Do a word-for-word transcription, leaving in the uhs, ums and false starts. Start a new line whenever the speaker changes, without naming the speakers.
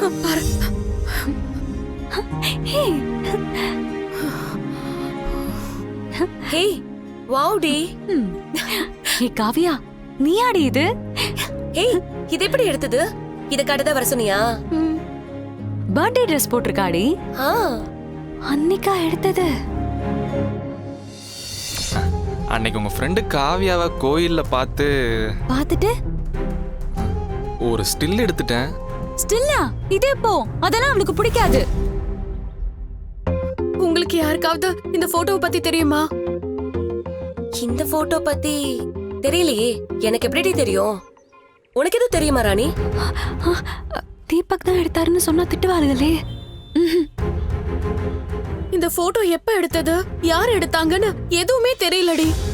பாரு.
Hey
hey wow டி.
Hey Kavya, நீயாடி இது?
ஹே இது எப்படி எடுத்தது? இத கடத வர சொன்னியா?
Birthday dress போட்டிருக்காடி.
ஆ
அன்னிக்கா எடுத்தது.
அன்னைக்கு உங்க ஃப்ரெண்டு காவியாவை கோயில்ல பார்த்து
பார்த்துட்டு
ஒரு ஸ்டில் எடுத்துட்டேன்.
ஸ்டில்லா? இதே போ, அதெல்லாம் அவளுக்கு பிடிக்காது.
உங்களுக்கு யாருக்காவது இந்த போட்டோவை பத்தி தெரியுமா?
இந்த போட்டோ பத்தி தெரியலையே. எனக்கு எப்படி தெரியும்? உனக்கு எதுவும் தெரியுமா ராணி?
தீபக் தான் எடுத்தாருன்னு சொன்னா திட்டுவாளுகளே.
இந்த போட்டோ எப்ப எடுத்தது, யார் எடுத்தாங்கன்னு எதுவுமே தெரியலடி.